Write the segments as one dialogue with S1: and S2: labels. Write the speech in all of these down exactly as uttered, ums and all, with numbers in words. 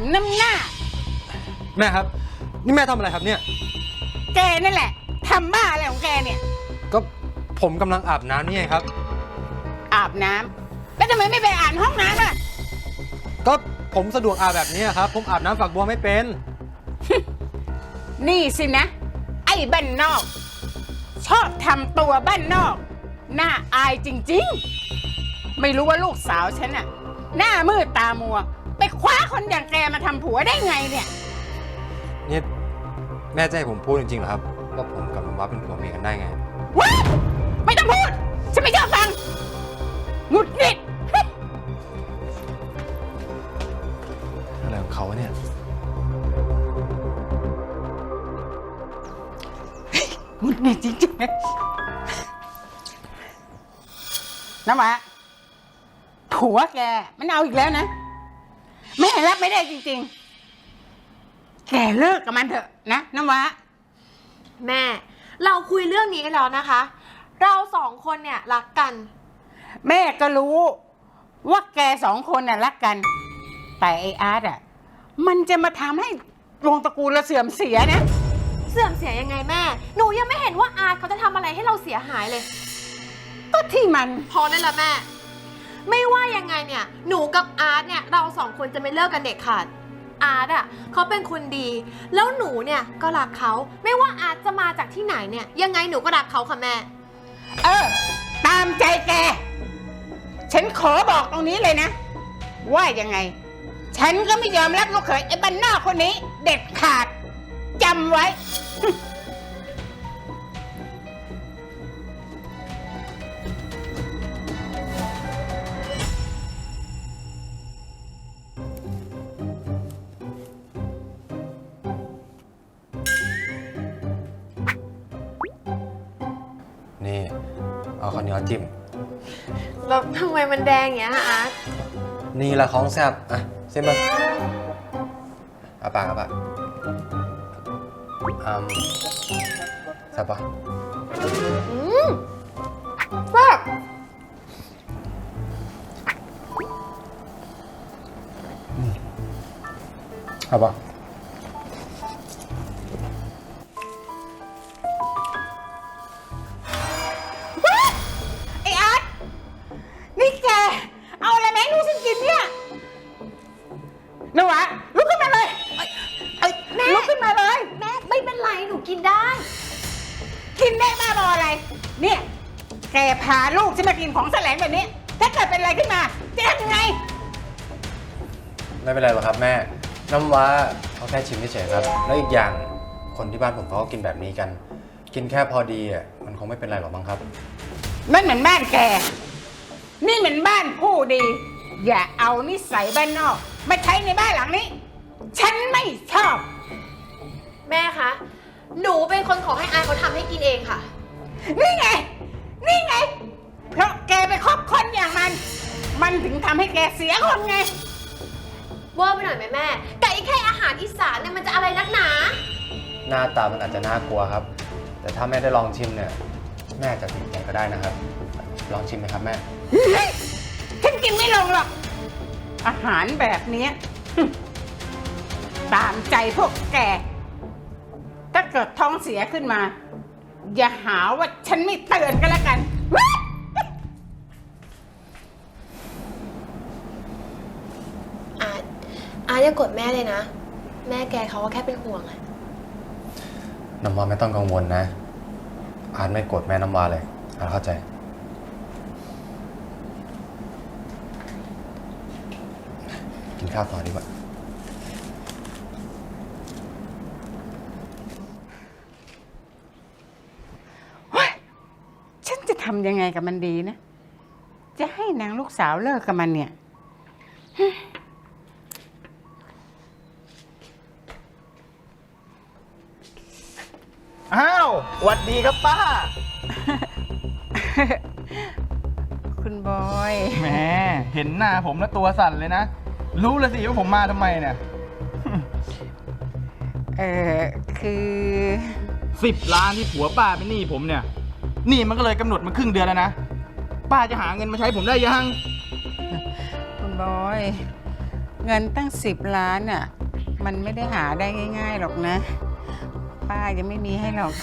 S1: น้ำหน้า
S2: แม่ครับนี่แม่ทำอะไรครับเนี่ย
S1: แกนั่นแหละทำบ้าอะไรของแกเนี่ย
S2: ก็ผมกำลังอาบน้ำนี่ไงครับ
S1: อาบน้ำแล้วทำไมไม่ไปอาบห้องน้ำล่ะ
S2: ก็ผมสะดวกอาบแบบนี้ครับผมอาบน้ำฝักบัวไม่เป็น
S1: นี่สินะไอ้บ้านนอกชอบทำตัวบ้านนอกหน้าอายจริงๆไม่รู้ว่าลูกสาวฉันน่ะหน้ามืดตามัวไปคว้าคนอย่างแกมาทำผัวได้ไงเนี่ย
S2: นี่แม่จะให้ผมพูดจริงๆเหรอครับว่าผมกับน้ำว้าเป็นผัวเมียกันได้ไง
S1: ว้าไม่ต้องพูดฉันไม่ชอบฟังหงุดหงิด
S2: อะไรของเขาเนี่ย
S1: หงุดหงิดจริงๆน้ำหวาผัวแกมันเอาอีกแล้วนะแม่รับไม่ได้จริงๆแกเลิกกับมันเถอะนะน้ำหวา
S3: แม่เราคุยเรื่องนี้กันแล้วนะคะเราสองคนเนี่ยรักกัน
S1: แม่ก็รู้ว่าแกสองคนน่ะรักกันแต่ไอ้อาร์ตอ่ะมันจะมาทำให้วงตระกูลเราเสื่อมเสียนะ
S3: เสื่อมเสียยังไงแม่หนูยังไม่เห็นว่าอาร์ตเขาจะทำอะไรให้เราเสียหายเลย
S1: ก็ที่มัน
S3: พอได้ละแม่ไม่ว่ายังไงเนี่ยหนูกับอาร์ตเนี่ยเราสองคนจะไม่เลิกกันเด็ดขาดอาร์ตอ่ะเขาเป็นคนดีแล้วหนูเนี่ยก็รักเขาไม่ว่าอาร์ตจะมาจากที่ไหนเนี่ยยังไงหนูก็รักเขาค่ะแม่
S1: เออตามใจแกฉันขอบอกตรงนี้เลยนะว่ายังไงฉันก็ไม่ยอมรับลูกเขยไอ้บ้านนอกคนนี้เด็ดขาดจำไว้
S2: นี่เอาข้าวเหนียวจิ้ม
S3: แล้วทำไมมันแดงอย่างเงี้ยฮะอาร์ต
S2: นี่ละของแซ่บอ่ะเส้นมาอาปากอาปากอืมแซ่บปะ
S3: อืมแซ่บ
S2: เอาปะ
S1: ไอ้อาร์ตนี่แกเอาอะไรมาให้ลูกฉันกินเนี่ยนวะลุกขึ้นมาเลยไอ้แม่ลุกขึ้นมาเลย
S3: แม่ไม่เป็นไรหนูกินได้
S1: กินได้บ้าบออะไรเนี่ยแกพาลูกฉันมากินของแสลงแบบนี้ถ้าเกิดเป็นอะไรขึ้นมาจะทำยังไง
S2: ไม่เป็นไรหรอกครับแม่น้ำว้าเขาแค่ชิมเฉยๆครับแล้วอีกอย่างคนที่บ้านผมเขาก็กินแบบนี้กันกินแค่พอดีอ่ะมันคงไม่เป็นไรหรอกมั้งครับ
S1: นั่นเหมือนบ้านแกนี่เหมือนบ้านผู้ดีอย่าเอานิสัยบ้านนอกมาใช้ในบ้านหลังนี้ฉันไม่ชอบ
S3: แม่คะหนูเป็นคนขอให้อาเขาทำให้กินเองค่ะ
S1: นี่ไงนี่ไงเพราะแกไปคบคนอย่างมันมันถึงทำให้แกเสียคนไง
S3: เวอร์ไปหน่อยไหมแม่แต่อีแค่อาหารอีสานเนี่ยมันจะอะไรนักหนา
S2: หน้าตามันอาจจะน่ากลัวครับแต่ถ้าแม่ได้ลองชิมเนี่ยแม่จะติดใจก็ได้นะครับลองชิมไหมครับแม่
S1: ฉันกินไม่ลงหรอกอาหารแบบนี้ตามใจพวกแกถ้าเกิดท้องเสียขึ้นมาอย่าหาว่าฉันไม่เตือนกันแล้วกัน
S3: อาอาอย่ากดแม่เลยนะแม่แกเขาก็แค่เป็นห่วงอะ
S2: น้ำว้าไม่ต้องกังวลนะอาร์ตไม่โกรธแม่น้ำว้าเลยอาร์ตเข้าใจกินข้าวต่อดีกว่า
S1: ฉันจะทำยังไงกับมันดีนะจะให้นางลูกสาวเลิกกับมันเนี่ย
S4: อ้าวหวัดดีครับป้า
S1: คุณบอย
S4: แหมเห็นหน้าผมแล้วตัวสั่นเลยนะรู้เลยสิว่าผมมาทำไมเนี่ย
S1: เออคือ
S4: สิบล้านที่ผัวป้าเป็นหนี้ผมเนี่ยหนี้มันก็เลยกำหนดมาครึ่งเดือนแล้วนะป้าจะหาเงินมาใช้ผมได้ยัง
S1: คุณบอยเงินตั้งสิบล้านอ่ะมันไม่ได้หาได้ง่ายๆหรอกนะ ป้ายังไม่มีให้หรอก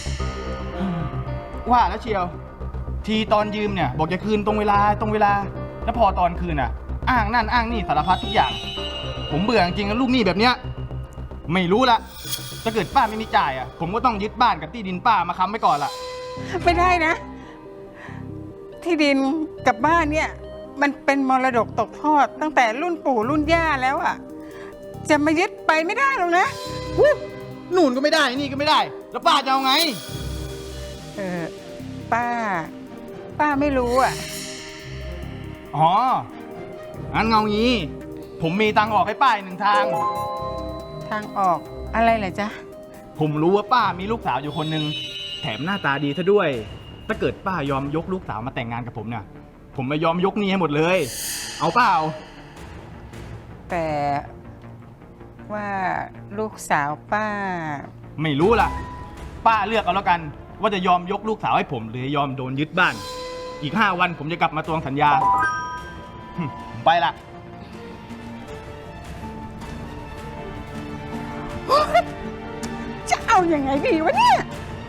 S4: ว่าแล้วเชียว ทีตอนยืมเนี่ย บอกจะคืนตรงเวลาตรงเวลา แล้วพอตอนคืนอ่ะ อ้างนั่นอ้างนี่สารพัดทุกอย่าง ผมเบื่อจริงๆกับลูกหนี้แบบเนี้ยไม่รู้ละถ้าเกิดป้าไม่มีจ่ายอ่ะ ผมก็ต้องยึดบ้านกับที่ดินป้ามาค้ำไว้ก่อนละ
S1: ไม่ได้นะ ที่ดินกับบ้านเนี่ย มันเป็นมรดกตกทอดตั้งแต่รุ่นปู่รุ่นย่าแล้วอ่ะ จะมายึดไปไม่ได้หรอกนะ
S4: นู่นก็ไม่ได้นี่ก็ไม่ได้ แล้วป้าจะเอาไง
S1: เออป้า ป้าไม่รู้อ่ะ
S4: อ๋อ งั้นเงางี้ ผมมีตังค์ออกให้ป้าอีกหนึ่งทาง
S1: ทางออกอะไรเหรอจ๊ะ
S4: ผมรู้ว่าป้ามีลูกสาวอยู่คนหนึ่งแถมหน้าตาดีซะด้วย ถ้าเกิดป้ายอมยกลูกสาวมาแต่งงานกับผมเนี่ย ผมไม่ยอมยกหนี้ให้หมดเลย เอาเปล่า
S1: แต่ว่าลูกสาวป้า
S4: ไม่รู้ล่ะ ป้าเลือกเอาแล้วกัน ว่าจะยอมยกลูกสาวให้ผมหรือยอมโดนยึดบ้าน อีกห้าวันผมจะกลับมาทวงสัญญาหึผมไปละ
S1: จะเอาอยัางไงดีวะเนี่ย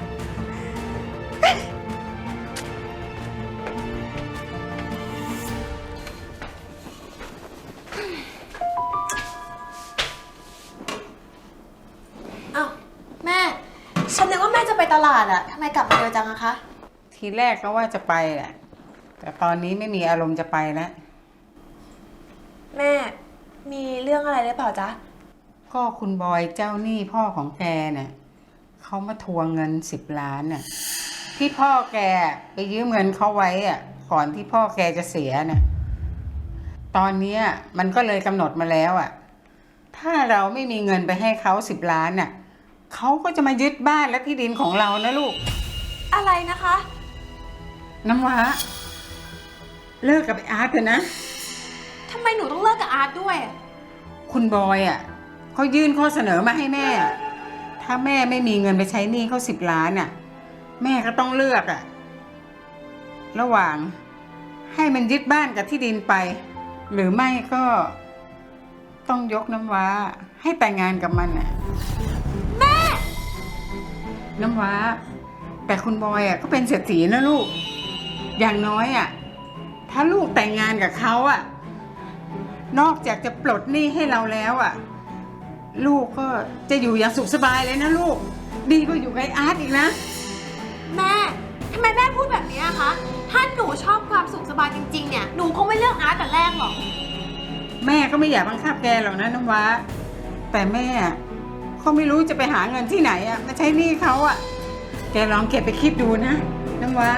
S3: อ้าวแม่ ฉันนึกว่าแม่จะไปตลาดอะทำไมกลับมาเร็วจังอะคะ
S1: ทีแรกก็ว่าจะไปแหละแต่ตอนนี้ไม่มีอารมณ์จะไปแล้ว
S3: แม่ มีเรื่องอะไรหรือเปล่าจ๊ะ
S1: ก็คุณบอยเจ้าหนี้พ่อของแกเนี่ยเขามาทวงเงินสิบล้านน่ะที่พ่อแกไปยืมเงินเขาไว้อ่ะก่อนที่พ่อแกจะเสียน่ะตอนเนี้ยมันก็เลยกำหนดมาแล้วอ่ะถ้าเราไม่มีเงินไปให้เขาสิบล้านน่ะเขาก็จะมายึดบ้านและที่ดินของเรานะลูก
S3: อะไรนะคะ
S1: น้ำว้าเลิกกับไอ้อาร์ตเถอะนะ
S3: ทำไมหนูต้องเลิกกับอาร์ตด้วยอะ
S1: คุณบอยอ่ะเขายื่นข้อเสนอมาให้แม่ ถ้าแม่ไม่มีเงินไปใช้หนี้เขาสิบล้านอ่ะ แม่ก็ต้องเลือกอ่ะ ระหว่างให้มันยึดบ้านกับที่ดินไป หรือไม่ก็ต้องยกน้ำว้า ให้แต่งงานกับมันอ่ะ
S3: แม่
S1: น้ำว้า แต่คุณบอยอ่ะก็เป็นเศรษฐีนะลูก อย่างน้อยอ่ะ ถ้าลูกแต่งงานกับเขาอ่ะ นอกจากจะปลดหนี้ให้เราแล้วอ่ะ ลูกก็จะอยู่อย่างสุขสบายเลยนะลูก ดีกว่าอยู่กับไอ้อาร์ตอีกนะ
S3: แม่ ทำไมแม่พูดแบบนี้อะคะ ถ้าหนูชอบความสุขสบายจริงๆ เนี่ย หนูคงไม่เลือกอาร์ตแต่แรกหรอก
S1: แม่ก็ไม่อยากบังคับแกหรอกนะน้ำว้า แต่แม่เขาไม่รู้จะไปหาเงินที่ไหนอ่ะมาใช้หนี้เขาอ่ะ แกลองเก็บไปคิดดูนะน้ำว้า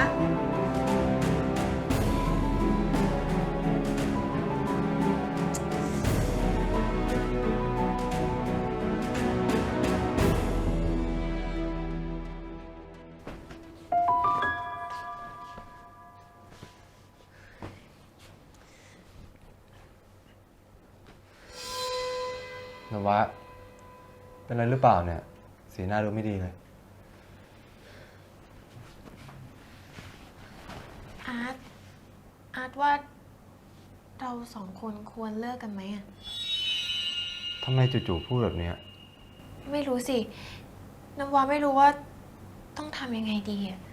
S2: นวะเป็นอะไรหรือเปล่าเนี่ย สีหน้าดูไม่ดีเลย
S3: อาร์ต อาร์ตว่าเราสองคนควรเลิกกันไหมอะ
S2: ทำไมจู่ๆพูดแบบเนี้ย
S3: ไม่รู้สิ น้ำวาไม่รู้ว่าต้องทำยังไงดีอะ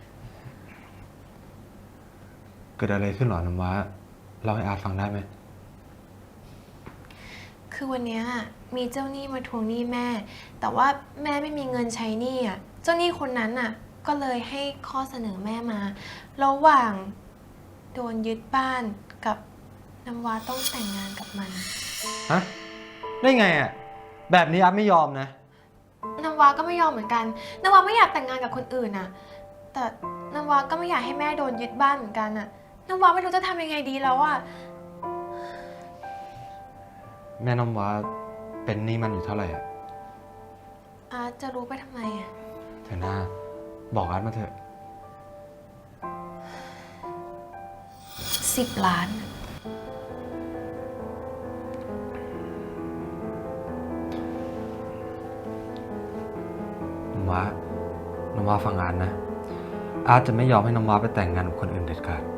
S2: เกิดอะไรขึ้นหรอน้ำว้าเล่าให้อาร์ตฟังได้ไหม
S3: คือวันเนี้ยมีเจ้าหนี้มาทวงหนี้แม่ แต่ว่าแม่ไม่มีเงินใช้หนี้อ่ะ เจ้าหนี้คนนั้นน่ะ ก็เลยให้ข้อเสนอแม่มา ระหว่างโดนยึดบ้านกับน้ำวาต้องแต่งงานกับมัน
S2: ฮะ ได้ไงอ่ะ แบบนี้อาร์ตไม่ยอมนะ
S3: น้ำวาก็ไม่ยอมเหมือนกัน น้ำวาไม่อยากแต่งงานกับคนอื่นน่ะ แต่น้ำวาก็ไม่อยากให้แม่โดนยึดบ้านเหมือนกันน่ะ น้ำวาไม่รู้จะทำยังไงดีแล้วอ่ะ
S2: แม่น้ำว้าเป็นหนี้มันอยู่เท่าไหร่อ่ะ
S3: อาร์ตจะรู้ไปทำไมอ่ะ
S2: เถอะนะบอกอาร์ตมาเถอะ
S3: สิบล้าน
S2: น้ำว้าน้ำว้าฟังอาร์ตนะ อาร์ตจะไม่ยอมให้น้ำว้าไปแต่งงานกับคนอื่นเด็ดขาด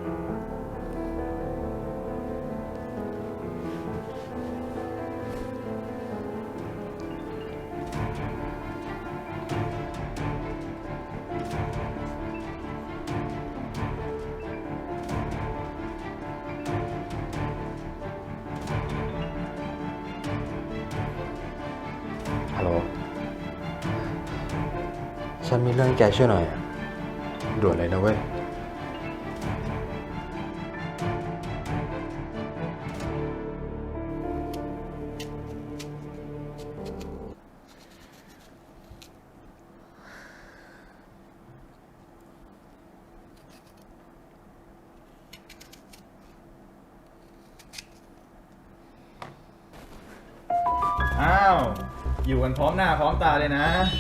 S3: น
S2: ฉันมีเรื่องให้แกช่วยหน่อยอะด่วนเลยนะเว้ย
S4: อ้าว อยู่กันพร้อมหน้าพร้อมตาเลยนะ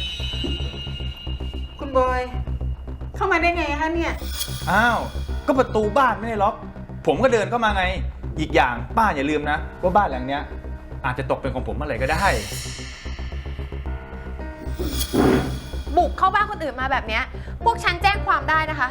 S1: คุณบอย เข้ามาได้ไงคะเนี่ย
S4: อ้าว ก็ประตูบ้านไม่ได้ล็อก ผมก็เดินเข้ามาไง อีกอย่างป้าอย่าลืมนะ ว่าบ้านหลังเนี้ย อาจจะตกเป็นของผมเมื่อไหร่ก็ได้
S3: บุกเข้าบ้านคนอื่นมาแบบเนี้ยพวกฉันแจ้งความได้นะคะ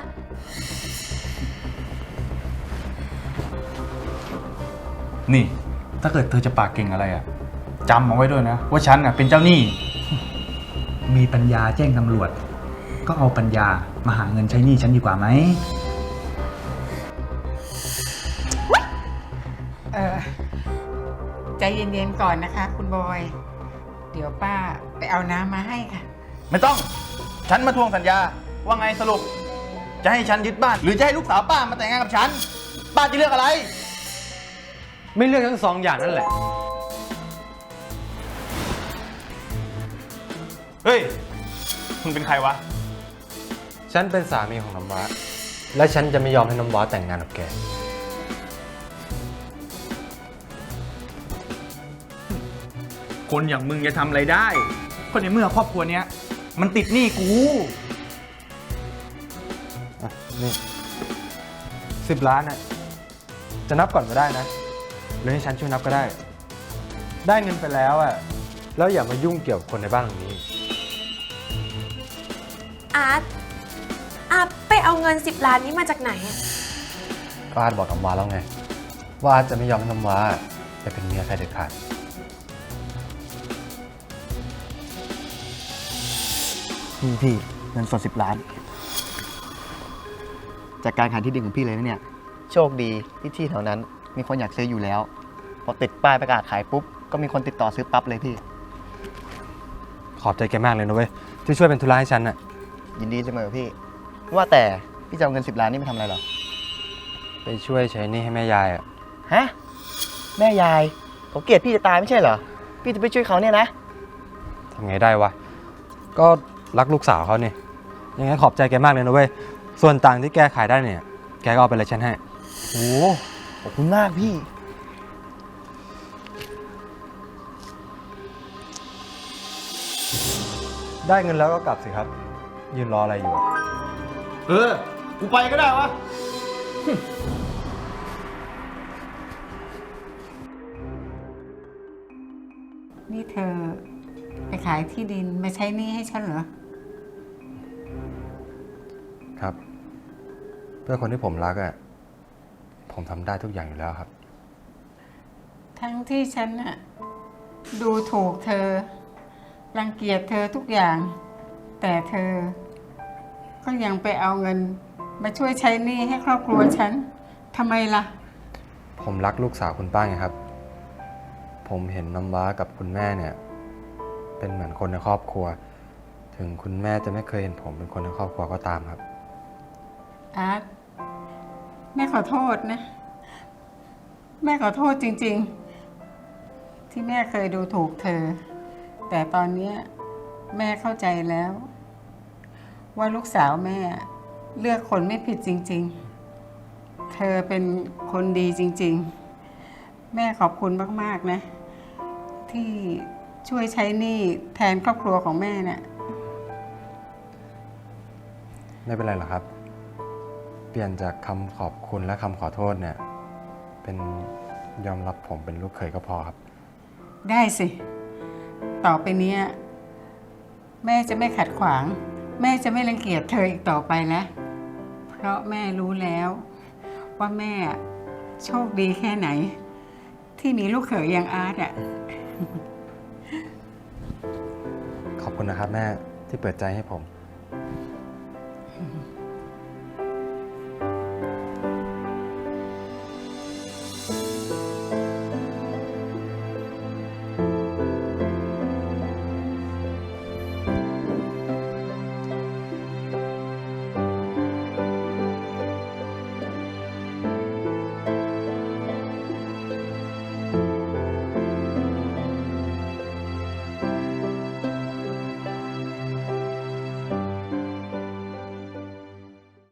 S4: นี่ ถ้าเกิดเธอจะปากเก่งอะไรอะจำเอาไว้ด้วยนะ ว่าฉันน่ะเป็นเจ้าหนี้ มีปัญญาแจ้งตำรวจ ก็เอาปัญญามาหาเงินใช้หนี้ฉันดีกว่าไหม
S1: เออใจเย็นๆก่อนนะคะ คุณบอย เดี๋ยวป้าไปเอาน้ำมาให้ค่ะ
S4: ไม่ต้อง ฉันมาทวงสัญญา ว่าไงสรุป จะให้ฉันยึดบ้าน หรือจะให้ลูกสาวป้ามาแต่งงานกับฉัน ป้าจะเลือกอะไร
S2: ไม่เลือกทั้งสองอย่างนั่นแหละ
S4: เฮ้ย คุณเป็นใครวะ
S2: ฉันเป็นสามีของน้ำว้า และฉันจะไม่ยอมให้น้ำว้าแต่งงานกับแก
S4: คนอย่างมึงจะทำอะไรได้ คนในเมื่อครอบครัวเนี้ย มันติดหนี้กู
S2: อ่ะ นี่สิบล้านน่ะ จะนับก่อนก็ได้นะ หรือให้ฉันช่วยนับก็ได้ ได้เงินไปแล้วอ่ะ แล้วอย่ามายุ่งเกี่ยวกับคนในบ้านหลังนี้
S3: อาร์ต อาร์ตไปเอาเงินสิบล้านนี้มาจากไหนอะ
S2: ก็อาร์ตบอกน้ำว้าแล้วไง ว่าอาร์ตจะไม่ยอมให้น้ำว้าไปเป็นเมียใครเด็ดขาด
S5: พี่พี่เงินสดสิบล้าน จากการขายที่ดินของพี่เลยนะเนี่ย โชคดีที่ที่แถวนั้นมีคนอยากซื้ออยู่แล้ว พอติดป้ายประกาศขายปุ๊บ ก็มีคนติดต่อซื้อปั๊บเลยพี่
S2: ขอบใจแกมากเลยนะเว้ย ที่ช่วยเป็นธุระให้ฉันน่ะ
S5: ยินดีเสมอพี่ ว่าแต่พี่จะเอาเงินสิบล้านนี่ไปทำอะไรเหรอ
S2: ไปช่วยใช้หนี่ให้แม่ยายอ่ะ
S5: ฮะ แม่ยายเขาเกลียดพี่จะตายไม่ใช่เหรอ พี่จะไปช่วยเขาเนี่ยนะ
S2: ทำไงได้วะ ก็รักลูกสาวเขาเนี่ยยังไงขอบใจแกมากเลยนะเว้ย ส่วนต่างที่แกขายได้เนี่ย แกก็เอาไปเลยฉันให้
S5: โอ้ขอบคุณมากพี่
S2: ได้เงินแล้วก็กลับสิครับ ยืนรออะไรอยู่อะ
S4: เออ กูไปก็ได้วะ
S1: นี่เธอไปขายที่ดินมาใช้หนี้ให้ฉันเหรอ
S2: ครับ เพื่อคนที่ผมรักอ่ะ ผมทำได้ทุกอย่างอยู่แล้วครับ
S1: ทั้งที่ฉันน่ะดูถูกเธอ รังเกียจเธอทุกอย่าง แต่เธอ ก็ยังไปเอาเงิน มาช่วยใช้หนี้ให้ครอบครัวฉันทำไมล่ะ
S2: ผมรักลูกสาวคุณป้าไงครับ ผมเห็นน้ำว้ากับคุณแม่เนี่ย เป็นเหมือนคนในครอบครัว ถึงคุณแม่จะไม่เคยเห็นผมเป็นคนในครอบครัวก็ตามครับ
S1: อาร์ตแม่ขอโทษนะ แม่ขอโทษจริงๆ ที่แม่เคยดูถูกเธอ แต่ตอนเนี้ยแม่เข้าใจแล้ว ว่าลูกสาวแม่เลือกคนไม่ผิดจริงๆ เธอเป็นคนดีจริงๆ แม่ขอบคุณมากๆนะ ที่ช่วยใช้หนี้แทนครอบครัวของแม่น่ะ
S2: ไม่เป็นไรหรอกครับ เปลี่ยนจากคำขอบคุณและคำขอโทษเนี่ย เป็นยอมรับผมเป็นลูกเขยก็พอครับ
S1: ได้สิ ต่อไปเนี้ยแม่จะไม่ขัดขวาง แม่จะไม่รังเกียจเธออีกต่อไปแล้ว เพราะแม่รู้แล้ว ว่าแม่โชคดีแค่ไหน ที่มีลูกเขยอย่างอาร์ตอ่ะ
S2: ขอบคุณนะครับแม่ที่เปิดใจให้ผม